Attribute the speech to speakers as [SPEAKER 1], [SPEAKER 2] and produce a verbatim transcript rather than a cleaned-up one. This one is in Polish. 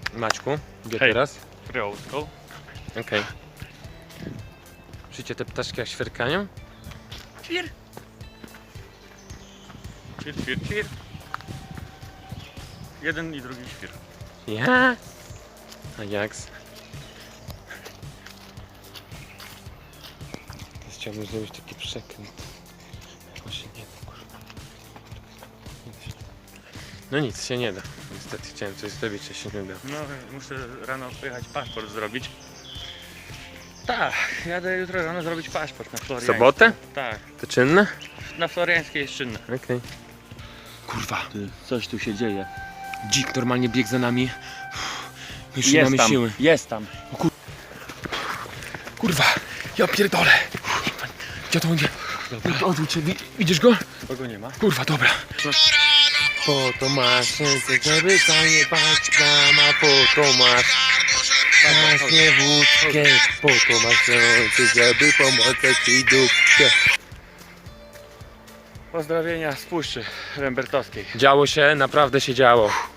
[SPEAKER 1] Maćku, gdzie
[SPEAKER 2] Hej.
[SPEAKER 1] teraz?
[SPEAKER 2] Kryłówką.
[SPEAKER 1] Okej. Okay. Słyszycie te ptaszki jak świerkają?
[SPEAKER 2] Ćwir. Ćwir, ćwir, ćwir. Jeden i drugi ćwir.
[SPEAKER 1] Ja? A jaks? Teraz chciałbym zrobić taki przekręt. Właśnie nie da, kurwa. No nic się nie da. Niestety chciałem coś zrobić, a się nie da.
[SPEAKER 2] No, muszę rano pojechać paszport zrobić. Tak, jadę jutro rano zrobić paszport na Floriańskiej.
[SPEAKER 1] Sobotę?
[SPEAKER 2] Tak,
[SPEAKER 1] To czynne?
[SPEAKER 2] na Floriańskiej jest czynne.
[SPEAKER 1] Okej. Okay. Kurwa,
[SPEAKER 2] Ty, coś tu się dzieje.
[SPEAKER 1] dzik normalnie biegł za nami. Już nie
[SPEAKER 2] Jest
[SPEAKER 1] mamy
[SPEAKER 2] tam,
[SPEAKER 1] siły.
[SPEAKER 2] jest tam.
[SPEAKER 1] Kurwa, ja pierdolę. Gdzie to będzie? Odwróć się, widzisz go?
[SPEAKER 2] Kogo nie ma?
[SPEAKER 1] Kurwa, dobra. Po to masz ręce, żeby zajebać nama, po to masz właśnie wódkę, po to masz ręce, żeby pomagać ci dupkę.
[SPEAKER 2] Pozdrowienia z Puszczy Rembertowskiej.
[SPEAKER 1] Działo się, naprawdę się działo.